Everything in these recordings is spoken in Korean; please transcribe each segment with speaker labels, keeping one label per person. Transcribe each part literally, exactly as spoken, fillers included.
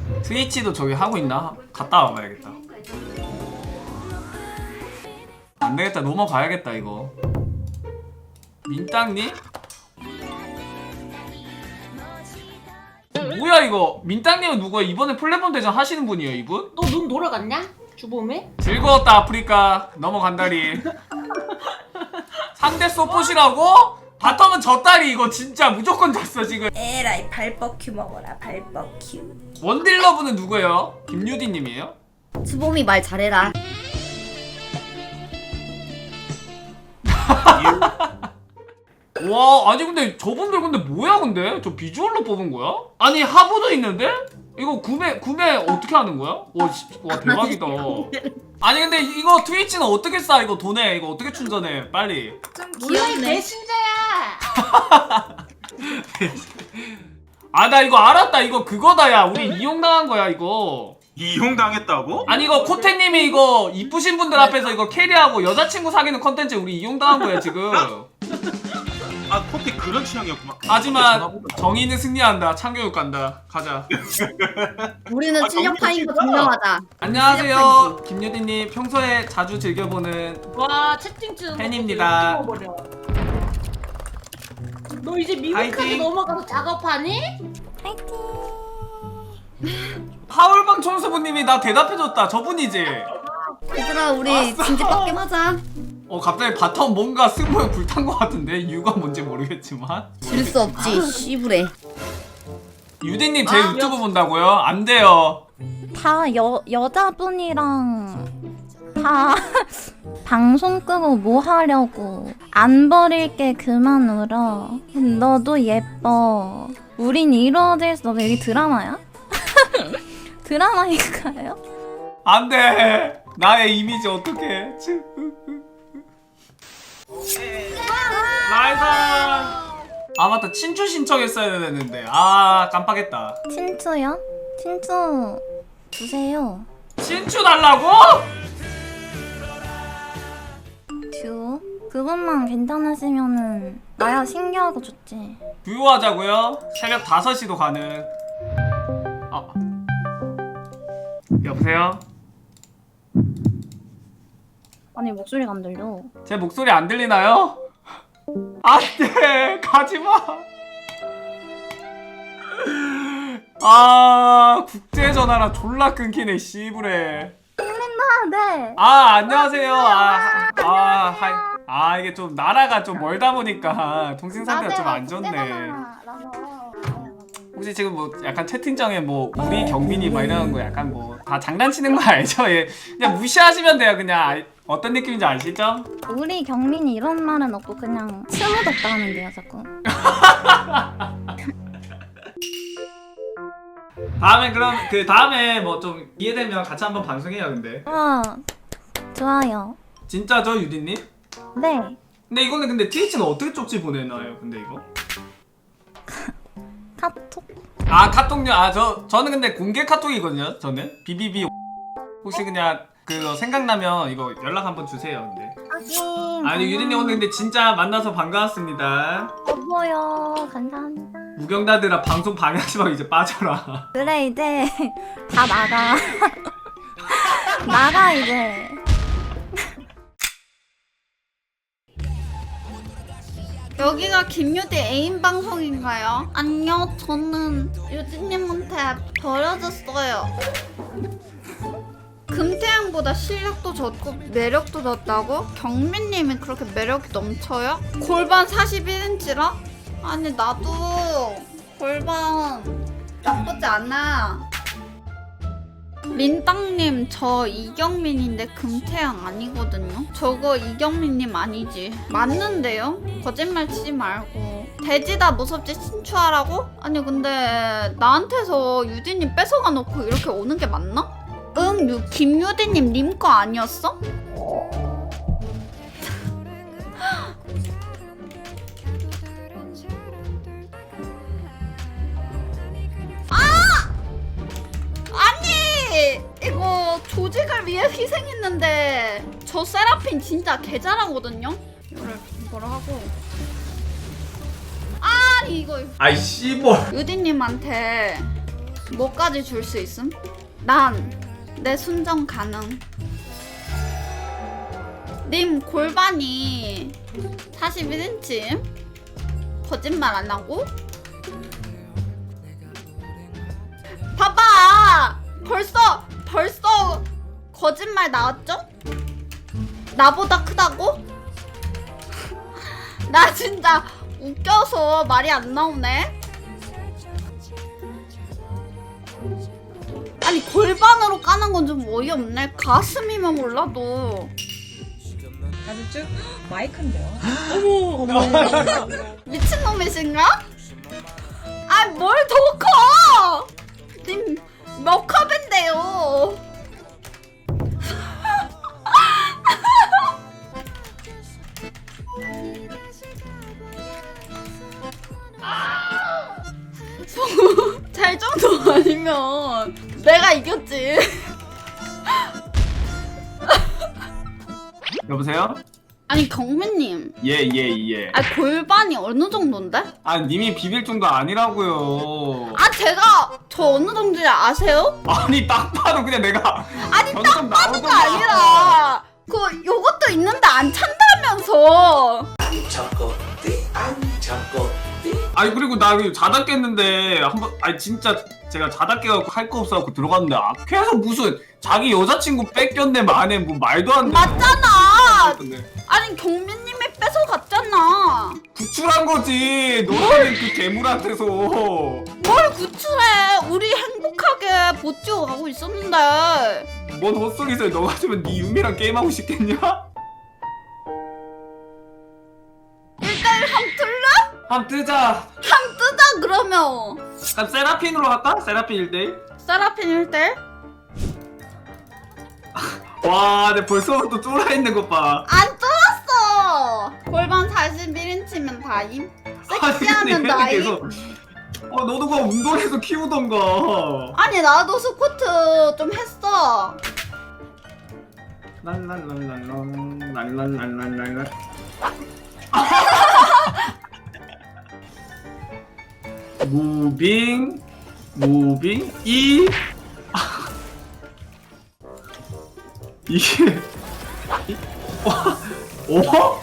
Speaker 1: 트위치도 저기 하고 있나? 갔다 와봐야겠다. 안되겠다, 넘어가야겠다 이거. 민땅님? 뭐야 이거? 민땅님은 누구야? 이번에 플랫폼 대전 하시는 분이에요 이분?
Speaker 2: 너 눈 돌아갔냐? 주범에?
Speaker 1: 즐거웠다 아프리카. 넘어간다리. 상대 서폿이라고? 바텀은 졌다리. 이거 진짜 무조건 졌어 지금.
Speaker 3: 에라이 발버큐 먹어라 발버큐.
Speaker 1: 원딜러분은 누구예요? 김유디님이에요?
Speaker 3: 수범이 말 잘해라.
Speaker 1: 와, 아니 근데 저분들 근데 뭐야 근데? 저 비주얼로 뽑은 거야? 아니 하부도 있는데? 이거 구매 구매 어떻게 하는 거야? 와, 씨, 와 대박이다. 아니 근데 이거 트위치는 어떻게 싸? 이거 돈에 이거 어떻게 충전해? 빨리.
Speaker 3: 좀
Speaker 2: 몰라 이
Speaker 3: 귀엽네.
Speaker 2: 배신자야.
Speaker 1: 아 나 이거 알았다. 이거 그거다 야. 우리 이용당한 거야 이거.
Speaker 4: 이용당했다고?
Speaker 1: 아니 이거 코테님이 이거 이쁘신 분들 앞에서 이거 캐리하고 여자친구 사귀는 컨텐츠 우리 이용당한 거야 지금.
Speaker 4: 아 코피 그런 취향이었구만.
Speaker 1: 하지만 정의는 승리한다. 참교육 간다. 가자.
Speaker 3: 우리는
Speaker 4: 아,
Speaker 3: 실력파인 거
Speaker 4: 정말
Speaker 3: 증명하자.
Speaker 1: 안녕하세요 김유디님. 평소에 자주 즐겨보는
Speaker 2: 와 채팅창
Speaker 1: 팬입니다.
Speaker 2: 끊어버려. 너 이제 미국까지
Speaker 1: 파이팅.
Speaker 2: 넘어가서 작업하니?
Speaker 1: 파울방 총수부님이 나 대답해줬다. 저분이지?
Speaker 3: 얘들아 우리 진지 빡겜 하자.
Speaker 1: 어 갑자기 바텀 뭔가 승부에 불탄 것 같은데 이유가 뭔지 모르겠지만.
Speaker 3: 질 수 없지 씨부레.
Speaker 1: 유디님 제
Speaker 2: 아,
Speaker 1: 유튜브 본다고요? 안 돼요.
Speaker 5: 다 여, 여자분이랑 다 방송 끄고 뭐 하려고. 안 버릴게 그만 울어. 너도 예뻐. 우린 이루어질 수 없어. 여기 드라마야? 드라마인가요?
Speaker 1: 안 돼. 나의 이미지 어떡해. 나이스. 아 맞다. 친추 신청했어야 되는데. 아 깜빡했다.
Speaker 5: 친추요? 친추 주세요.
Speaker 1: 친추 달라고?
Speaker 5: 듀오? 그것만 괜찮으시면은 나야 신기하고 좋지.
Speaker 1: 듀오하자고요? 새벽 다섯 시도 가능. 아. 여보세요?
Speaker 5: 아니 목소리가 안 들려.
Speaker 1: 제 목소리 안 들리나요? 안돼. 가지마. 아 국제전화라 졸라 끊기네 씨부레.
Speaker 5: 아 네.
Speaker 1: 아 안녕하세요. 아, 아, 하이. 아 이게 좀 나라가 좀 멀다 보니까 통신 상태가 좀 안 좋네. 혹시 지금 뭐 약간 채팅창에 뭐 우리 경민이 막 이러는 거 약간 뭐 다 장난치는 거 알죠? 예. 그냥 무시하시면 돼요. 그냥 아, 어떤 느낌인지 아시죠?
Speaker 5: 우리 경민이 이런 말은 없고 그냥 스무덥다 하는데요 자꾸.
Speaker 1: 다음에 그럼 그 다음에 뭐 좀 이해되면 같이 한번 방송해요. 근데
Speaker 5: 와 좋아요.
Speaker 1: 진짜죠 유디님?
Speaker 5: 네.
Speaker 1: 근데 이거는 근데 트위치는 어떻게 쪽지 보내나요? 근데 이거?
Speaker 5: 카톡.
Speaker 1: 아 카톡요? 아 저 저는 근데 공개 카톡이거든요. 저는 비비비. 혹시 그냥 그 생각나면 이거 연락 한번 주세요. 근데
Speaker 5: 하긴.
Speaker 1: 아니 유디님 오늘 근데 진짜 만나서 반가웠습니다.
Speaker 5: 여보요. 감사합니다.
Speaker 1: 우경다들아 방송 방해하지 말고 이제 빠져라.
Speaker 5: 그래 이제 다 나가. 나가 이제.
Speaker 6: 여기가 김유디 애인 방송인가요? 아니요, 저는 유디님한테 버려졌어요. 금태양보다 실력도 졌고 매력도 졌다고? 경민님이 그렇게 매력이 넘쳐요? 골반 사십일 인치라? 아니 나도 골반 나쁘지 않아. 민땅님 저 이경민인데 금태양 아니거든요? 저거 이경민님 아니지? 맞는데요? 거짓말 치지 말고. 돼지다 무섭지 친추하라고? 아니 근데 나한테서 유디님 뺏어가 놓고 이렇게 오는 게 맞나? 응, 유, 김유디님 님 거 아니었어? 이거 조직을 위해 희생했는데 저 세라핀 진짜 개 잘하거든요? 이거를 뭐라 하고 아 이거
Speaker 1: 아이 씨발.
Speaker 6: 유디님한테 뭐까지 줄 수 있음? 난 내 순정 가능. 님 골반이 사십일 인치 거짓말 안 하고? 봐봐! 벌써 벌써 거짓말 나왔죠? 나보다 크다고? 나 진짜 웃겨서 말이 안 나오네. 아니 골반으로 까는 건 좀 어이없네. 가슴이면 몰라도.
Speaker 7: 가슴 쭉 마이크인데요.
Speaker 6: 미친놈이신가? 아 뭘 더 커! 님 몇 컵인데요? 잘 정도 아니면 내가 이겼지.
Speaker 1: 여보세요?
Speaker 6: 아니 경민님,
Speaker 1: 예예 예.
Speaker 6: 아 골반이 어느 정도인데?
Speaker 1: 아 님이 비빌 정도 아니라고요.
Speaker 6: 아 제가 저 어느 정도인지 아세요?
Speaker 1: 아니 딱 봐도 그냥 내가
Speaker 6: 아니
Speaker 1: 점점
Speaker 6: 딱 봐도가
Speaker 1: 나오더만.
Speaker 6: 아니라 그 요것도 있는데 안 찬다면서.
Speaker 1: 아니 그리고 나 이거 자다 깼는데 한번 아니 진짜 제가 자다 깨갖고 할 거 없어갖고 들어갔는데 아, 계속 무슨 자기 여자친구 뺏겼네 만에 뭐 말도 안 돼.
Speaker 6: 맞잖아. 아니 경민님이 뺏어갔잖아.
Speaker 1: 구출한 거지. 너는 그 괴물한테서.
Speaker 6: 뭘 구출해? 우리 행복하게 보찌고 가고 있었는데.
Speaker 1: 뭔 헛소리세요. 너 같으면 네 유미랑 게임하고 싶겠냐?
Speaker 6: 일대일 함 틀래?
Speaker 1: 한번 뜨자.
Speaker 6: 함 뜨자 그러면.
Speaker 1: 그럼 세라핀으로 할까? 세라핀 일 대일?
Speaker 6: 세라핀 일대일?
Speaker 1: 와, 내 벌써부터 쫄아있는 것 봐.
Speaker 6: 안 뚫었어. 골반 사십일 인치면 다임. 섹시하면
Speaker 1: 아니,
Speaker 6: 다임.
Speaker 1: 계속. 어, 너도 그거 운동해서 키우던가.
Speaker 6: 아니 나도 스쿼트 좀 했어.
Speaker 1: 랄랄랄랄랄, 랄랄랄랄랄. 무빙, 무빙, 이. 이게. 어?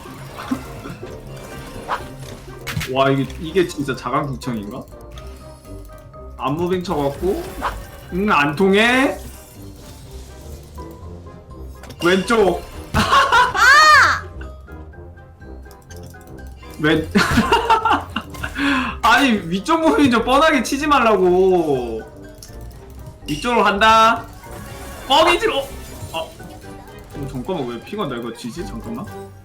Speaker 1: 와 이게 이게 진짜 자강구청인가? 안무빙 쳐갖고 응 안 통해. 왼쪽. 왼. 아니 위쪽 무빙 좀 뻔하게 치지 말라고. 위쪽으로 간다. 뻥이지. 어? 아. 어, 잠깐만 왜 피가 내가 지지? 잠깐만.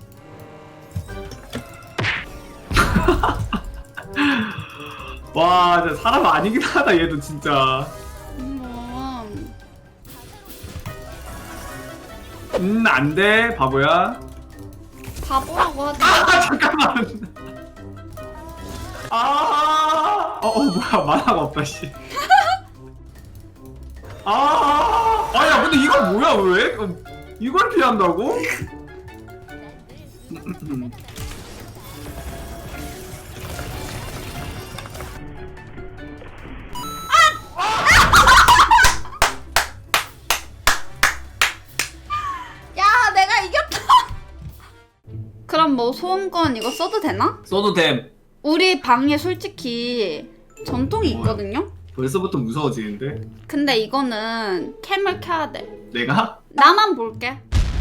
Speaker 1: 와 진짜 사람 아니긴 하다 얘도 진짜.
Speaker 6: 음,
Speaker 1: 음 안돼 바보야.
Speaker 6: 바보라고 하지.
Speaker 1: 아 잠깐만. 아. 어, 어 뭐야 만화가 없다 씨. 아. 아야 근데 이거 뭐야 왜? 어, 이걸 피한다고?
Speaker 6: 야 내가 이겼다. 그럼 뭐 소음권 이거 써도 되나?
Speaker 1: 써도 됨.
Speaker 6: 우리 방에 솔직히 전통이 있거든요?
Speaker 1: 벌써부터 무서워지는데?
Speaker 6: 근데 이거는 캠을 켜야 돼.
Speaker 1: 내가?
Speaker 6: 나만 볼게.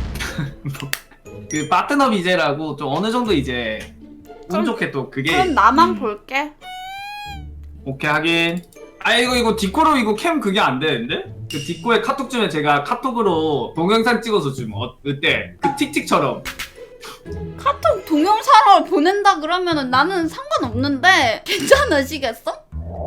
Speaker 1: 그 파트너 비제라고 좀 어느 정도 이제 운
Speaker 6: 그럼-
Speaker 1: 좋게 또 그게
Speaker 6: 그럼 나만
Speaker 1: 음,
Speaker 6: 볼게.
Speaker 1: 오케이 하긴. 아 이거 이거 디코로 이거 캠 그게 안 되는데? 그 디코에 카톡 주면 제가 카톡으로 동영상 찍어서 주면 어, 어때? 그 틱틱처럼.
Speaker 6: 카톡 동영상을 보낸다 그러면은 나는 상관없는데 괜찮으시겠어?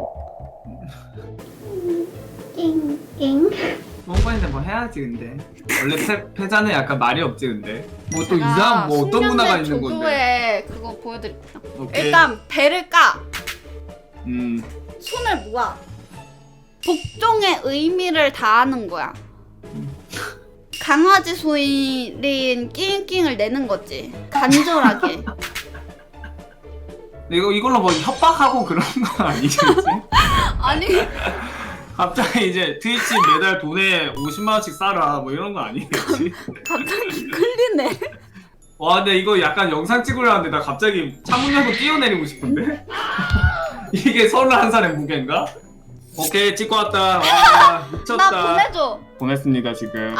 Speaker 5: 낑낑.
Speaker 1: 뽕뽕인데 뭐 해야지 근데. 원래 패, 패자는 약간 말이 없지 근데. 뭐 또
Speaker 6: 제가
Speaker 1: 이상한 뭐 어떤 문화가 있는 건데.
Speaker 6: 조교에 그거 보여드릴게요.
Speaker 1: 오케이.
Speaker 6: 일단 배를 까.
Speaker 1: 음.
Speaker 6: 손을 모아. 복종의 의미를 다하는 거야. 강아지 소리인 낑낑을 내는 거지. 간절하게.
Speaker 1: 이거 이걸로 뭐 협박하고 그런 건 아니겠지?
Speaker 6: 아니
Speaker 1: 갑자기 이제 트위치 매달 돈에 오십만 원씩 싸라 뭐 이런 거 아니겠지?
Speaker 6: 갑자기 끌리네.
Speaker 1: 와 근데 이거 약간 영상 찍으려는데 나 갑자기 창문 열고 뛰어내리고 싶은데? 이게 서른한 살의 무게인가? 오케이 찍고 왔다. 와 미쳤다.
Speaker 6: 나 보내줘.
Speaker 1: 보냈습니다 지금.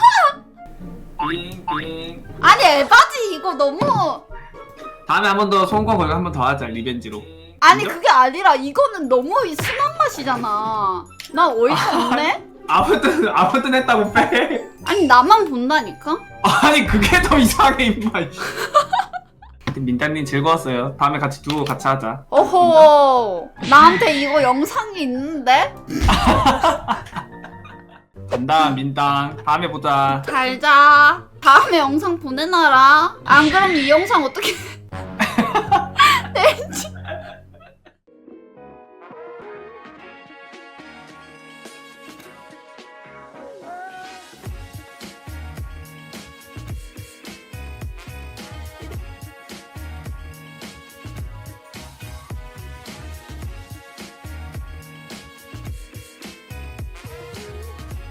Speaker 1: 띵띵.
Speaker 6: 아니 에바지 이거 너무.
Speaker 1: 다음에 한 번 더 소원권 걸고 한 번 더 하자 리벤지로.
Speaker 6: 아니
Speaker 1: 인정?
Speaker 6: 그게 아니라 이거는 너무 순한 맛이잖아. 나 어이가 없네.
Speaker 1: 아무튼 아무튼 했다고 빼.
Speaker 6: 아니 나만 본다니까.
Speaker 1: 아니 그게 더 이상해 임마. 민다님 즐거웠어요. 다음에 같이 두고 같이 하자.
Speaker 6: 어허. 나한테 이거 영상이 있는데?
Speaker 1: 간다 민당. 다음에 보자.
Speaker 6: 잘자. 다음에 영상 보내놔라. 안 그럼 이 영상 어떻게 내